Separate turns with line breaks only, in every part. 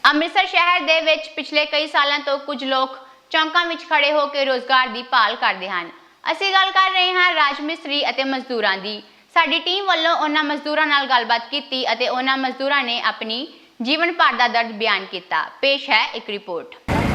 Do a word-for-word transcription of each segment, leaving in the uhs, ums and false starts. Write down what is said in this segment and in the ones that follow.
ਅੰਮ੍ਰਿਤਸਰ ਸ਼ਹਿਰ ਦੇ ਵਿੱਚ ਪਿਛਲੇ ਕਈ ਸਾਲਾਂ ਤੋਂ ਕੁਝ ਲੋਕ ਚੌਂਕਾਂ ਵਿੱਚ ਖੜੇ ਹੋ ਕੇ ਰੋਜ਼ਗਾਰ ਦੀ ਭਾਲ ਕਰਦੇ ਹਨ। ਅਸੀਂ ਗੱਲ ਕਰ ਰਹੇ ਹਾਂ ਰਾਜ ਮਿਸਤਰੀ ਅਤੇ ਮਜ਼ਦੂਰਾਂ ਦੀ। ਸਾਡੀ ਟੀਮ ਵੱਲੋਂ ਉਹਨਾਂ ਮਜ਼ਦੂਰਾਂ ਨਾਲ ਗੱਲਬਾਤ ਕੀਤੀ ਅਤੇ ਉਹਨਾਂ ਮਜ਼ਦੂਰਾਂ ਨੇ ਆਪਣੀ ਜੀਵਨ ਭਰ ਦਾ ਦਰਦ ਬਿਆਨ ਕੀਤਾ। ਪੇਸ਼ ਹੈ ਇੱਕ ਰਿਪੋਰਟ।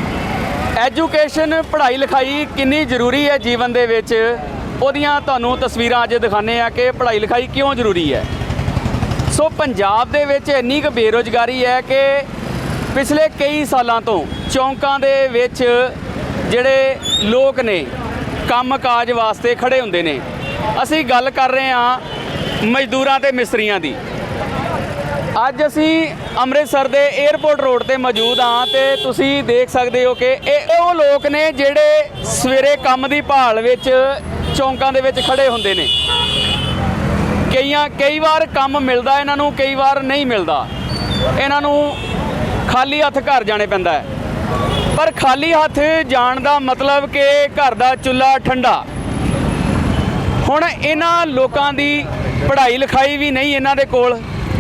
ਐਜੂਕੇਸ਼ਨ ਪੜ੍ਹਾਈ ਲਿਖਾਈ ਕਿੰਨੀ ਜ਼ਰੂਰੀ ਹੈ ਜੀਵਨ ਦੇ ਵਿੱਚ, ਉਹਦੀਆਂ ਤੁਹਾਨੂੰ ਤਸਵੀਰਾਂ ਅੱਜ ਦਿਖਾਉਂਦੇ ਆ ਕਿ ਪੜ੍ਹਾਈ ਲਿਖਾਈ ਕਿਉਂ ਜ਼ਰੂਰੀ ਹੈ। ਸੋ ਪੰਜਾਬ ਦੇ ਵਿੱਚ ਇੰਨੀ ਕੁ ਬੇਰੁਜ਼ਗਾਰੀ ਹੈ ਕਿ ਪਿਛਲੇ ਕਈ ਸਾਲਾਂ ਤੋਂ ਚੌਂਕਾਂ ਦੇ ਵਿੱਚ ਜਿਹੜੇ ਲੋਕ ਨੇ ਕੰਮ ਕਾਜ ਵਾਸਤੇ ਖੜੇ ਹੁੰਦੇ ਨੇ। ਅਸੀਂ ਗੱਲ ਕਰ ਰਹੇ ਹਾਂ ਮਜ਼ਦੂਰਾਂ ਤੇ ਮਿਸਤਰੀਆਂ ਦੀ। ਅੱਜ ਅਸੀਂ ਅੰਮ੍ਰਿਤਸਰ ਦੇ 에ਅਰਪੋਰਟ ਰੋਡ ਤੇ ਮੌਜੂਦ ਹਾਂ ਤੇ ਤੁਸੀਂ ਦੇਖ ਸਕਦੇ ਹੋ ਕਿ ਇਹ ਉਹ ਲੋਕ ਨੇ ਜਿਹੜੇ ਸਵੇਰੇ ਕੰਮ ਦੀ ਭਾਲ ਵਿੱਚ ਚੌਂਕਾਂ ਦੇ ਵਿੱਚ ਖੜੇ ਹੁੰਦੇ ਨੇ। ਕਈਆਂ ਕਈ ਵਾਰ ਕੰਮ ਮਿਲਦਾ ਇਹਨਾਂ ਨੂੰ, ਕਈ ਵਾਰ ਨਹੀਂ ਮਿਲਦਾ। ਇਹਨਾਂ ਨੂੰ ਖਾਲੀ ਹੱਥ ਘਰ ਜਾਣੇ ਪੈਂਦਾ ਹੈ, ਪਰ ਖਾਲੀ ਹੱਥ ਜਾਣ ਦਾ ਮਤਲਬ ਕਿ ਘਰ ਦਾ ਚੁੱਲ੍ਹਾ ਠੰਡਾ। ਹੁਣ ਇਹਨਾਂ ਲੋਕਾਂ ਦੀ ਪੜ੍ਹਾਈ ਲਿਖਾਈ ਵੀ ਨਹੀਂ ਇਹਨਾਂ ਦੇ ਕੋਲ।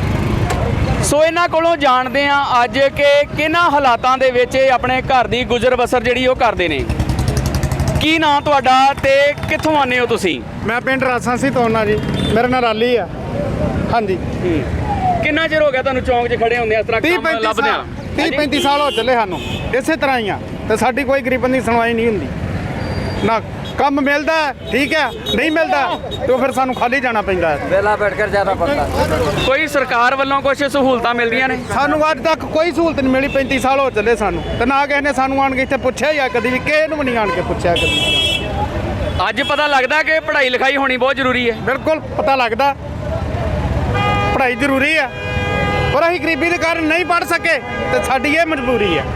ਸੋ ਇਹਨਾਂ ਕੋਲੋਂ ਜਾਣਦੇ ਹਾਂ ਅੱਜ ਕਿ ਕਿਹਨਾਂ ਹਾਲਾਤਾਂ ਦੇ ਵਿੱਚ ਇਹ ਆਪਣੇ ਘਰ ਦੀ ਗੁਜ਼ਰ ਬਸਰ ਜਿਹੜੀ ਉਹ ਕਰਦੇ ਨੇ। ਕੀ ਨਾਂ ਤੁਹਾਡਾ ਤੇ ਕਿੱਥੋਂ ਆਉਂਦੇ ਹੋ ਤੁਸੀਂ?
ਮੈਂ ਪਿੰਡ ਰਾਸਾਂ ਸੀ ਤੋਨਾ ਜੀ, ਮੇਰਾ ਨਾਂ ਰਾਲੀ ਆ। ਹਾਂਜੀ।
ਕਿੰਨਾ ਚਿਰ ਹੋ ਗਿਆ ਤੁਹਾਨੂੰ ਚੌਂਕ 'ਚ ਖੜੇ ਹੁੰਦੇ ਇਸ ਤਰ੍ਹਾਂ ਕੰਮ ਲੱਭਦੇ ਆ?
ਤੀਹ ਪੈਂਤੀ ਸਾਲ ਹੋ ਚੱਲੇ ਸਾਨੂੰ ਇਸੇ ਤਰ੍ਹਾਂ ਹੀ ਆ, ਤੇ ਸਾਡੀ ਕੋਈ ਗਰੀਬਾਂ ਦੀ ਸੁਣਵਾਈ ਨਹੀਂ ਹੁੰਦੀ। ਨਾ ਕੰਮ ਮਿਲਦਾ ਠੀਕ ਹੈ, ਨਹੀਂ ਮਿਲਦਾ ਤੇ ਫਿਰ ਸਾਨੂੰ ਖਾਲੀ ਜਾਣਾ ਪੈਂਦਾ ਹੈ।
ਵੇਲਾ ਬੈਠ ਕੇ ਜਾਣਾ ਪੈਂਦਾ।
ਕੋਈ ਸਰਕਾਰ ਵੱਲੋਂ ਕੁਝ ਸਹੂਲਤਾਂ ਮਿਲਦੀਆਂ ਨੇ?
ਸਾਨੂੰ ਅੱਜ ਤੱਕ ਕੋਈ ਸਹੂਲਤ ਨਹੀਂ ਮਿਲੀ। ਪੈਂਤੀ ਸਾਲ ਹੋ ਚੱਲੇ ਸਾਨੂੰ, ਤੇ ਨਾ ਕਿਸੇ ਨੇ ਸਾਨੂੰ ਆਣ ਕੇ ਇੱਥੇ ਪੁੱਛਿਆ ਜਾਂ ਕਦੀ ਵੀ ਕਿਸੇ ਨੂੰ ਵੀ ਨਹੀਂ ਆਣ ਕੇ ਪੁੱਛਿਆ ਕਦੀ।
ਅੱਜ ਪਤਾ ਲੱਗਦਾ ਕਿ ਪੜ੍ਹਾਈ ਲਿਖਾਈ ਹੋਣੀ ਬਹੁਤ ਜ਼ਰੂਰੀ ਹੈ।
ਬਿਲਕੁਲ ਪਤਾ ਲੱਗਦਾ ਪੜ੍ਹਾਈ ਜ਼ਰੂਰੀ ਆ, ਪਰ ਅਸੀਂ ਗਰੀਬੀ ਦੇ ਕਾਰਨ ਨਹੀਂ ਪੜ੍ਹ ਸਕੇ ਤੇ ਸਾਡੀ ਇਹ ਮਜਬੂਰੀ ਹੈ।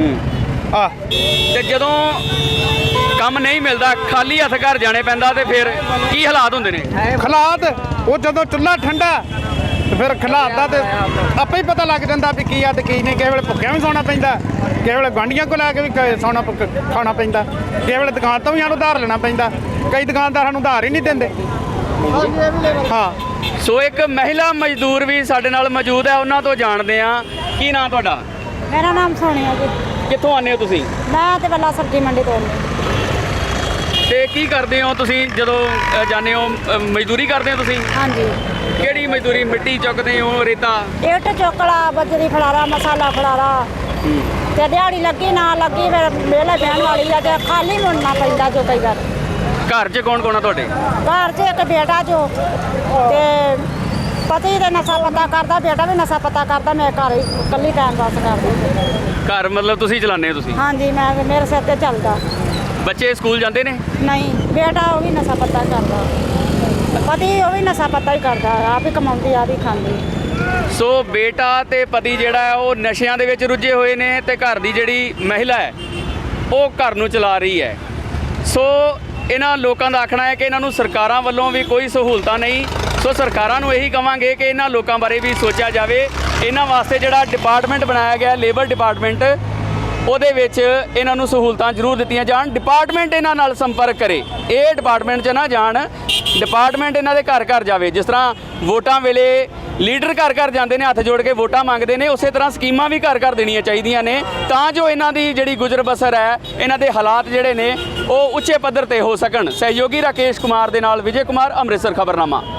ਆ
ਤੇ ਜਦੋਂ ਕੰਮ ਨਹੀਂ ਮਿਲਦਾ, ਖਾਲੀ ਹੱਥ ਘਰ ਜਾਣੇ ਪੈਂਦਾ, ਤੇ ਫਿਰ ਕੀ ਹਾਲਾਤ ਹੁੰਦੇ ਨੇ?
ਹਾਲਾਤ ਉਹ ਜਦੋਂ ਚੁੱਲ੍ਹਾ ਠੰਡਾ ਤੇ ਫਿਰ ਹਾਲਾਤ ਦਾ ਤੇ ਆਪੇ ਹੀ ਪਤਾ ਲੱਗ ਜਾਂਦਾ ਵੀ ਕੀ ਆ ਤੇ ਕੀ ਨਹੀਂ। ਕਿਸੇ ਵੇਲੇ ਭੁੱਖਿਆਂ ਵੀ ਸੌਣਾ ਪੈਂਦਾ, ਕਿਸੇ ਵੇਲੇ ਗੁਆਂਢੀਆਂ ਕੋਲ ਲੈ ਕੇ ਵੀ ਸੌਣਾ ਖਾਣਾ ਪੈਂਦਾ, ਕਿਸੇ ਵੇਲੇ ਦੁਕਾਨ ਤੋਂ ਵੀ ਸਾਨੂੰ ਉਧਾਰ ਲੈਣਾ ਪੈਂਦਾ। ਕਈ ਦੁਕਾਨਦਾਰ ਸਾਨੂੰ ਉਧਾਰ ਹੀ ਨਹੀਂ ਦਿੰਦੇ। ਹਾਂ।
ਸੋ ਇੱਕ ਮਹਿਲਾ ਮਜ਼ਦੂਰ ਵੀ ਸਾਡੇ ਨਾਲ ਮੌਜੂਦ ਹੈ, ਉਹਨਾਂ ਤੋਂ ਜਾਣਦੇ ਆ। ਕੀ ਨਾਂ ਤੁਹਾਡਾ?
ਮੇਰਾ ਨਾਮ ਸੋਨੀਆ ਜੀ।
ਕਿੱਥੋਂ ਆਉਂਦੇ ਹੋ ਤੁਸੀਂ?
ਮੈਂ ਤੇ ਬੱਲਾ ਸਬਜ਼ੀ ਮੰਡੀ ਤੋਂ।
ਤੇ ਕੀ ਕਰਦੇ ਹੋ ਤੁਸੀਂ ਜਦੋਂ ਅ, ਜਾਂਦੇ ਹੋ? ਅ, ਮਜ਼ਦੂਰੀ ਕਰਦੇ ਹੋ ਤੁਸੀਂ?
ਹਾਂਜੀ।
ਕਿਹੜੀ ਮਜ਼ਦੂਰੀ? ਮਿੱਟੀ ਚੁੱਕਦੇ ਹੋ, ਰੇਤਾ?
ਇੱਟ ਚੋਕਲਾ, ਬਜਰੀ ਫੜਾਰਾ, ਮਸਾਲਾ ਫੜਾਰਾ, ਤੇ ਦਿਹਾੜੀ ਲੱਗੀ ਨਾ ਲੱਗੀ ਫਿਰ ਵਿਹਲੇ ਬਹਿਣ ਵਾਲੀ ਆ, ਤੇ ਖਾਲੀ ਮੁੜਨਾ ਪੈਂਦਾ ਜੋ ਕਈ ਵਾਰ।
ਘਰ 'ਚ ਕੌਣ ਕੌਣ ਆ ਤੁਹਾਡੇ?
ਘਰ 'ਚ ਇੱਕ ਬੇਟਾ ਜੋ, ਤੇ ਪਤੀ ਦੇ ਨਸ਼ਾ ਪਤਾ ਕਰਦਾ, ਬੇਟਾ ਵੀ ਨਸ਼ਾ ਪਤਾ ਕਰਦਾ। ਮੈਂ ਘਰ ਹੀ ਇਕੱਲੀ ਟਾਈਮ ਪਾਸ ਕਰਦੀ।
ਘਰ ਮਤਲਬ ਤੁਸੀਂ ਚਲਾਉਂਦੇ ਹੋ ਤੁਸੀਂ?
ਹਾਂਜੀ, ਮੈਂ ਮੇਰੇ ਸਿਰ ਤੇ ਚੱਲਦਾ।
ਬੱਚੇ ਸਕੂਲ ਜਾਂਦੇ ਨੇ?
ਨਹੀਂ, ਬੇਟਾ ਉਹ ਵੀ ਨਸ਼ਾ ਪਤਾ ਕਰਦਾ, ਪਤੀ ਉਹ ਵੀ ਨਸ਼ਾ ਪਤਾ ਹੀ ਕਰਦਾ, ਆਪ ਹੀ ਕਮਾਉਂਦੀ ਆਪ ਹੀ ਖਾਂਦੀ।
ਸੋ ਬੇਟਾ ਤੇ ਪਤੀ ਜਿਹੜਾ ਹੈ ਉਹ ਨਸ਼ਿਆਂ ਦੇ ਵਿੱਚ ਰੁੱਝੇ ਹੋਏ ਨੇ, ਤੇ ਘਰ ਦੀ ਜਿਹੜੀ ਮਹਿਲਾ ਹੈ ਉਹ ਘਰ ਨੂੰ ਚਲਾ ਰਹੀ ਹੈ। ਸੋ ਇਹਨਾਂ ਲੋਕਾਂ ਦਾ ਆਖਣਾ ਹੈ ਕਿ ਇਹਨਾਂ ਨੂੰ ਸਰਕਾਰਾਂ ਵੱਲੋਂ ਵੀ ਕੋਈ ਸਹੂਲਤਾਂ ਨਹੀਂ। ਸੋ ਸਰਕਾਰਾਂ ਨੂੰ ਇਹੀ ਕਵਾਂਗੇ ਕਿ ਇਹਨਾਂ ਲੋਕਾਂ ਬਾਰੇ ਵੀ ਸੋਚਿਆ ਜਾਵੇ। ਇਹਨਾਂ ਵਾਸਤੇ ਜਿਹੜਾ ਡਿਪਾਰਟਮੈਂਟ ਬਣਾਇਆ ਗਿਆ ਲੇਬਰ ਡਿਪਾਰਟਮੈਂਟ, ਉਹਦੇ ਵਿੱਚ ਇਹਨਾਂ ਨੂੰ ਸਹੂਲਤਾਂ ਜ਼ਰੂਰ ਦਿੱਤੀਆਂ ਜਾਣ। ਡਿਪਾਰਟਮੈਂਟ ਇਹਨਾਂ ਨਾਲ ਸੰਪਰਕ ਕਰੇ, ਇਹ ਡਿਪਾਰਟਮੈਂਟ 'ਚ ਨਾ ਜਾਣ, ਡਿਪਾਰਟਮੈਂਟ ਇਹਨਾਂ ਦੇ ਘਰ ਘਰ ਜਾਵੇ। ਜਿਸ ਤਰ੍ਹਾਂ ਵੋਟਾਂ ਵੇਲੇ ਲੀਡਰ ਘਰ ਘਰ ਜਾਂਦੇ ਨੇ, ਹੱਥ ਜੋੜ ਕੇ ਵੋਟਾਂ ਮੰਗਦੇ ਨੇ, ਉਸੇ ਤਰ੍ਹਾਂ ਸਕੀਮਾਂ ਵੀ ਘਰ ਘਰ ਦੇਣੀਆਂ ਚਾਹੀਦੀਆਂ ਨੇ, ਤਾਂ ਜੋ ਇਹਨਾਂ ਦੀ ਜਿਹੜੀ ਗੁਜ਼ਰ ਬਸਰ ਹੈ, ਇਹਨਾਂ ਦੇ ਹਾਲਾਤ ਜਿਹੜੇ ਨੇ ਉਹ ਉੱਚੇ ਪੱਧਰ ਤੇ ਹੋ ਸਕਣ। ਸਹਿਯੋਗੀ ਰਾਕੇਸ਼ ਕੁਮਾਰ ਦੇ ਨਾਲ ਵਿਜੇ ਕੁਮਾਰ, ਅੰਮ੍ਰਿਤਸਰ ਖਬਰਨਾਮਾ।